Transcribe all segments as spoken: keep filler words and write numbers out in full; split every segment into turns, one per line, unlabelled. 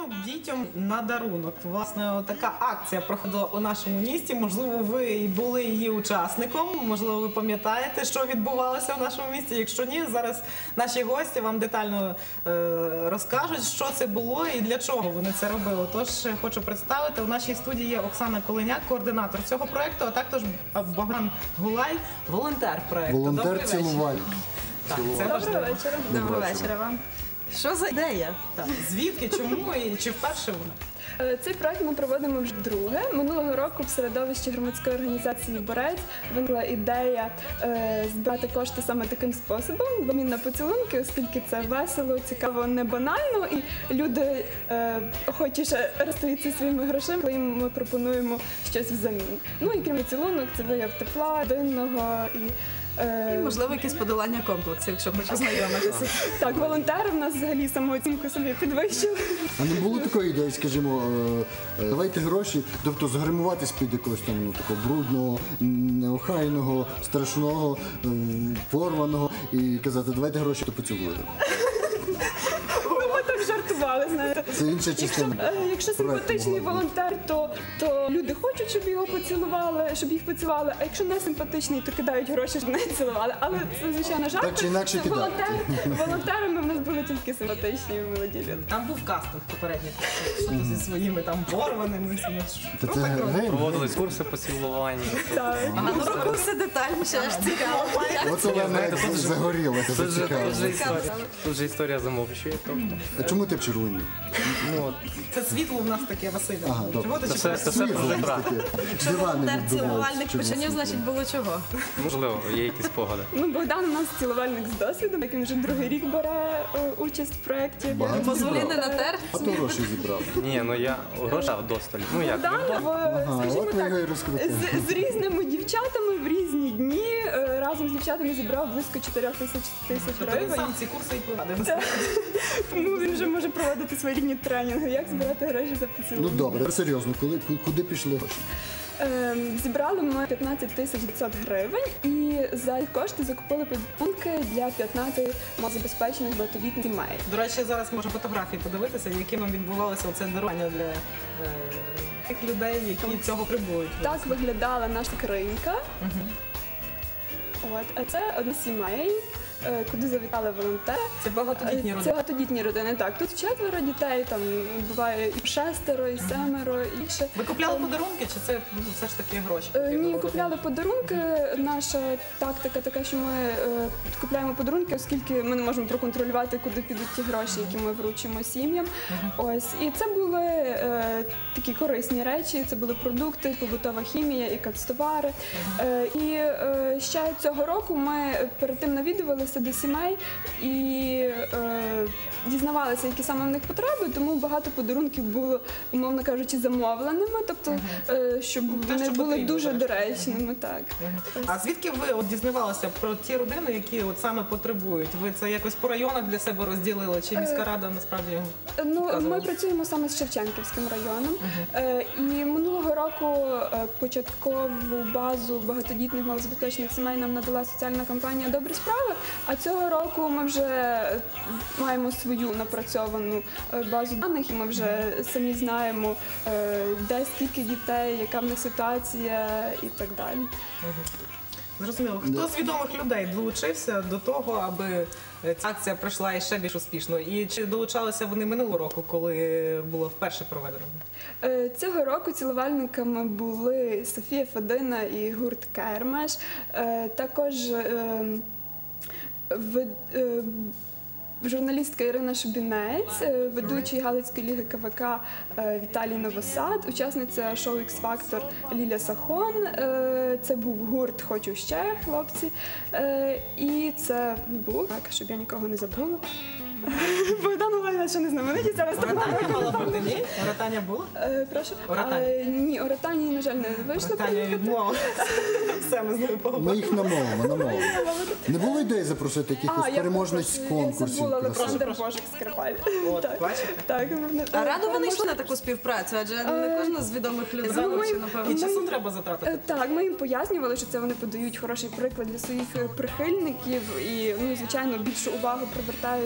дітям на дарунок. Власне, така акція проходила у нашому місті. Можливо, ви і були її учасником, можливо, ви пам'ятаєте, що відбувалося в нашому місті. Якщо ні, зараз наші гості вам детально е, розкажуть, що це було і для чого вони це робили. Тож, хочу представити, у нашій студії є Оксана Коленяк, координатор цього проєкту, а також Богдан Гулай, волонтер проєкту.
Волонтер-цілувальник.
Так, це
Доброго
важливо.
вечора. Доброго вечора вам. Що за ідея?
Так, звідки, чому і чи вперше вона?
Е, Цей проект ми проводимо вже вдруге. Минулого року в середовищі громадської організації «Борець» виникла ідея е, збирати кошти саме таким способом, в обмін на поцілунки, оскільки це весело, цікаво, не банально, і люди е, охочіше розстаються своїми грошима, коли їм ми пропонуємо щось взамін. Ну і крім поцілунок, це вияв тепла, родинного і
І, можливо, якісь подолання комплексів, якщо хочеш знайомитися.
так, волонтери в нас взагалі самооцінку собі підвищили.
А не було такої ідеї, скажімо, е, е, давайте гроші, тобто загримуватись під якогось там ну, такого брудного, неохайного, страшного, е, порваного і казати, давайте гроші, то поцілуємо.
Ми так жартували, знаєте.
Це інша частина.
Е, Якщо симпатичний волонтер, то, то люди хочуть, щоб його поцілували, щоб їх поцілували, а якщо не симпатичний, то кидають гроші, щоб не цілували. Але це, звичайно, жарт.
Так чи інакше
Це
кидають.
волонтер- волонтерами в нас були тільки симпатичні і молоді люди.
Там був кастинг попередній, що то зі своїми там порваними. всіма.
Та це гейм.
Проводились курси по цілуванню.
Так.
А ну року все детальніше, аж цікаво.
От Олена загоріла, це
Тут же,
цікаво.
тут же історія, тут же історія замовчує. Тобто,
А чому ти в червоній?
ну, от,
Це світло в нас таке, Василь.
Ага, добре.
Чого ти
це все,
чекаєш?
це все про
Світло
життя.
таке.
Якщо
Дивани
волонтер цілувальник
відбиваються.
починів, значить було чого.
Можливо, є якісь спогади.
Ну, Богдан у нас цілувальник з досвідом, який вже другий рік бере е, участь в проєкті.
Багато
Позволі не
зібрав.
натер.
А то гроші зібрав.
Ні, ну я гроша вдосталь. Ну як?
Богдан, в,
Ага,
скажімо
от ми його і
так,
розкрутили.
з, з різними дівчатами в різні дні е, разом з дівчатами зібрав близько чотирьох тисяч тисяч
Тобто він
гривень.
сам ці курси і провадив.
Тому він вже може проводити своєрідні тренінги, як збирати гроші за
Ну
поцілунок.
добре, серйозно, коли, куди пішли гроші?
Ем, Зібрали ми п'ятнадцять тисяч дев'ятсот гривень і за ці кошти закупили подарунки для п'ятнадцяти малозабезпечених багатодітних сімей.
До речі, зараз можна фотографії подивитися, яким відбувалося це дарування для е, тих людей, які цього требують.
Так виглядала наша скринька. От, а це одна з сімей, е, куди завітали волонтери.
Це багатодітні
Це
родини.
багатодітні родини. Так, тут четверо дітей, там буває і шестеро, і семеро, і ще.
Ви купляли подарунки, чи це ну, все ж таки гроші?
Е,
потрібно
Ні,
було?
купляли подарунки. Наша тактика така, що ми е, купляємо подарунки, оскільки ми не можемо проконтролювати, куди підуть ті гроші, які ми вручимо сім'ям. Ось і це були е, такі корисні речі. Це були продукти, побутова хімія і канцтовари. Е, і е, ще цього року ми перед тим навідувалися до сімей і е, дізнавалися, які саме в них потреби, тому багато подарунків було, умовно кажучи, замовленими, тобто е, щоб
Те,
вони
що
були
потрібно,
дуже
зрештою.
доречними. Так.
А звідки ви от дізнавалися про ті родини, які от саме потребують? Ви це якось по районах для себе розділили? Чи міська рада насправді?
Ну, ми
Вказували.
працюємо саме з Шевченківським районом. Е, і минулого року е, початкову базу багатодітних малозабезпечених сімей нам надала соціальна кампанія «Добрі справи», а цього року ми вже е, маємо свою напрацьовану е, базу даних, і ми вже самі знаємо, е, де скільки дітей, яка в них ситуація і так далі.
Зрозуміло. Хто з відомих людей долучився до того, аби ця акція пройшла і ще більш успішно? І чи долучалися вони минулого року, коли було вперше проведено?
Е, Цього року цілувальниками були Софія Федина і гурт Кермеш. Е, Також е, в- е, журналістка Ірина Шубінець, е, ведучий Галицької ліги КВК е, Віталій Новосад, учасниця шоу «Ікс-Фактор» Ліля Сахон. Е, Це був гурт «Хочу ще», хлопці. Е, І це був, так, щоб я нікого не забула. Богдан Олега, що не знаменитість, зараз так.
Оратання мала бути, ні? Оратання було?
Е, Прошу.
Оратань.
Е, Ні, Оратані, на жаль, не вийшло.
Оратання відмова. Все, ми з ними
Ми
поговоримо.
їх намовимо, намовимо. Не було ідеї запросити якихось
я
переможниць
перепрошую,
конкурсів?
Я забула
красивих?
Олександр Божик Скрипаль.
От,
Так.
бачите?
Так,
А радо вони йшли
можна-
на таку співпрацю, адже не кожна з відомих людей
Заново,
захоче,
І
напевно.
часу треба затратити.
Е, Так, ми їм пояснювали, що це вони подають хороший приклад для своїх е, прихильників і, ну, звичайно, більшу увагу привертають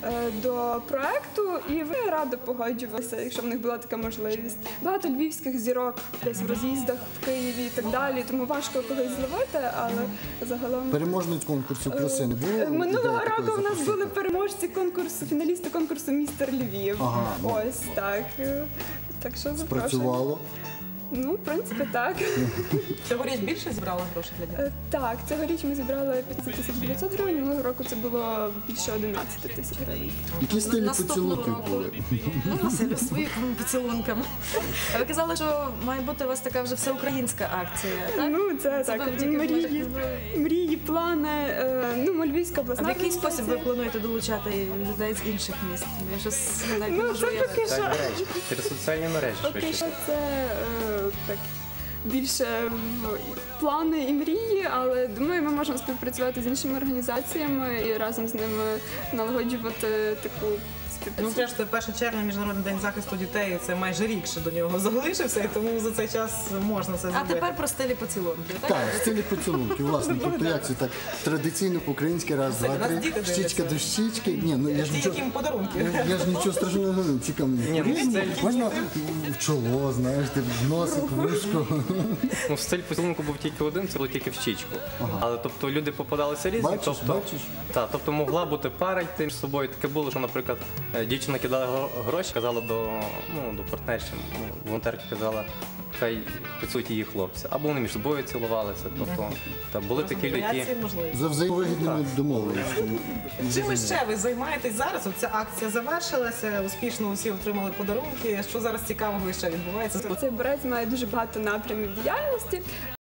е, до проекту, і вони радо погоджувалися, якщо в них була така можливість. Багато львівських зірок десь в роз'їздах в Києві і так далі, тому важко когось зловити, але загалом.
Переможниць конкурсів краси не було?
Е, Минулого
ідеї такої
року в нас
запустити?
були переможці конкурсу, фіналісти конкурсу «Містер Львів».
Ага, ну.
Ось так. Е, Так що запрошую.
Спрацювало.
Ну, в принципі, так.
Цьогоріч більше зібрали грошей для дітей?
Е, Так, цьогоріч ми зібрали п'ятнадцять тисяч дев'ятсот гривень, минулого року це було більше одинадцять тисяч гривень.
Які стилі
Наступного
поцілунків
року.
були?
Ну, Василю, своїми поцілунками. А ви казали, що має бути у вас така вже всеукраїнська акція, так?
Ну, це,
Це
так,
ви тільки
мрії, мрії, плани. е, Ну, Львівська
А
обласна
в який спосіб ви
організація.
плануєте долучати людей з інших міст? Я щось навіть не
Ну,
можу
це
уявити.
поки що.
Так, мережі. Через соціальні мережі
Поки
швидше.
що це е, так більше в плани і мрії, але думаю, ми можемо співпрацювати з іншими організаціями і разом з ними налагоджувати таку
Ну,
співпрацю.
зрештою, перше червня Міжнародний день захисту дітей, це майже рік ще до нього залишився, і тому за цей час можна це
А
зробити.
тепер про стилі поцілунки, так?
Так, в стилі поцілунків, власне. Тобто як це так традиційно по-українськи раз,
Це
два,
нас
три,
діти дивляться.
щічка до щічки. Ні, ну я ж
Ті,
нічого.
яким подарунки.
Я, я ж нічого страшного не говорю. Цікаво.
Ні, ну, стиль-
Можна в чоло, знаєш, ти в носик, в вушко.
Ну, стиль поцілунку був тільки один, це було тільки в щічку. Але тобто люди попадалися різні.
Бачиш,
тобто,
бачиш?
Та, тобто могла бути пара йти між собою. Таке було, що, наприклад, е, дівчина кидала гро- гроші, казала до, ну, до партнерші, ну, волонтерки казала, хай поцілують її хлопця. Або вони між собою цілувалися. Тобто, та, були такі люди, які...
Варіації можливі.
За взаємовигідними домовленостями.
Чим ще ви займаєтесь зараз? От ця акція завершилася, успішно усі отримали подарунки. Що зараз цікавого ще відбувається?
Цей борець має дуже багато напрямів діяльності.